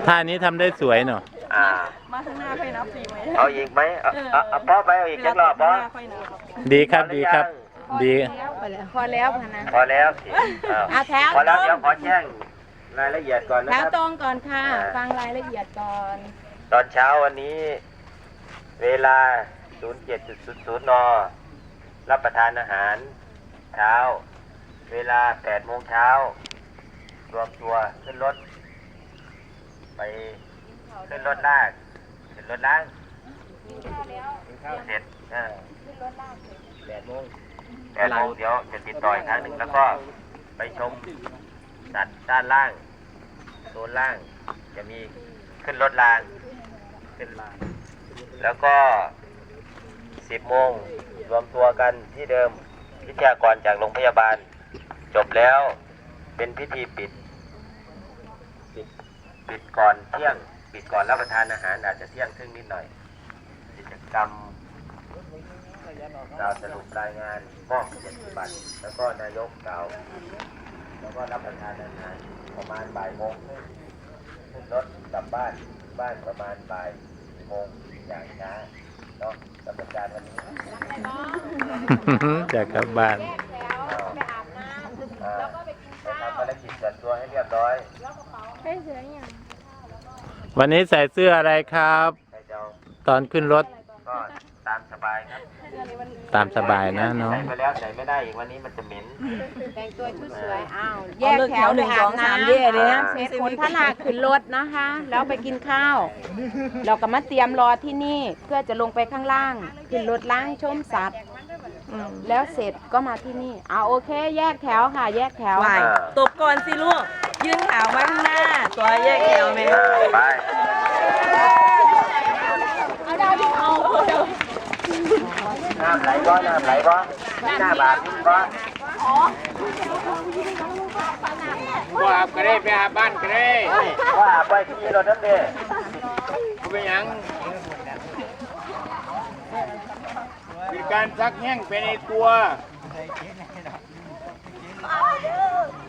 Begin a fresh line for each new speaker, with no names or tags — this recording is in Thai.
ท่านี้ทำได้สวยเนาะ
มาข้างหน้าค่อยนับฟรีไหม
เอาอีกไหมเอาพ่อไปเอาอีกจักรอบพ่อ
ดีครับดีครับดี
พอแล้วพนะ
พอแล้วสิ
แถว
พอแล้วเดี๋ยวขอแจ้งรายละเอียดก่อนนะ
แถว
ครับ
ตรงก่อนค่ะฟังรายละเอียดก่อน
ตอนเช้าวันนี้เวลา 07:00 น.รับประทานอาหารเช้าเวลา 8 โมงเช้ารวมตัวขึ้นรถไปขึ้นรถลากขึ้นรถล้างเสร็จขึ้นรถลาก8 โมงเดี๋ยวจะติดต่ออีกครั้งหนึ่งแล้วก็ไปชมสัตว์ด้านล่างโซนล่างจะมีขึ้นรถรางขึ้นแล้วก็ 10 โมงรวมตัวกันที่เดิมวิทยากรจากโรงพยาบาลจบแล้วเป็นพิธีปิดก่อนเที่ยงปิดก่อนรับประทานอาหารอาจจะเที่ยงครึ่งนิดหน่อยกิจกรรมกล่าวสรุปรายงานมอบเกียรติบัตรแล้วก็นายกกล่าวแล้วก็รับประทานอาหารประมาณบ่ายโมงขึ้นรถกลับบ้านประมาณบ่ายโมงอย่างช้าเนาะกรรมการวันนี้
จะกลับบ้าน
ไปอาบน้ำแล้วก็ไปกินข้าว
ทำภารกิจจัดตัวให้เรียบร้อย
ใช่เสืออย่าง
วันนี้ใส่เสื้ออะไรครับตอนขึ้นรถ
ก็ตามสบายครับ
ตามสบายนะน้อง
ใส่ไปแล้วใส่ไม่ได้อีกวันนี้มันจะเหม็น
แต่งตัวชุดสวยแยกแถว1 2 3เย่เลยนะเสร็จขนทลากขึ้นรถนะคะแล้วไปกินข้าวเราก็มาเตรียมรอที่นี่เพื่อจะลงไปข้างล่างขึ้นรถล้างชมสัตว์แล้วเสร็จก็มาที่นี่โอเคแยกแถวค่ะแยกแถว
ตบก่อนสิลูกยื่นขาไว้ข้างหน้าตัวแยกแถวไหม
ไป
เอาดาวที่เอา
น้ำไหลบ่หน้าบาดบ่
ว่าก็ได้ไปหาบ้านก็ได้
ว่าไปที่รถนั่นเด้
กูเป็นยังมีการซักแห้งไปในตัว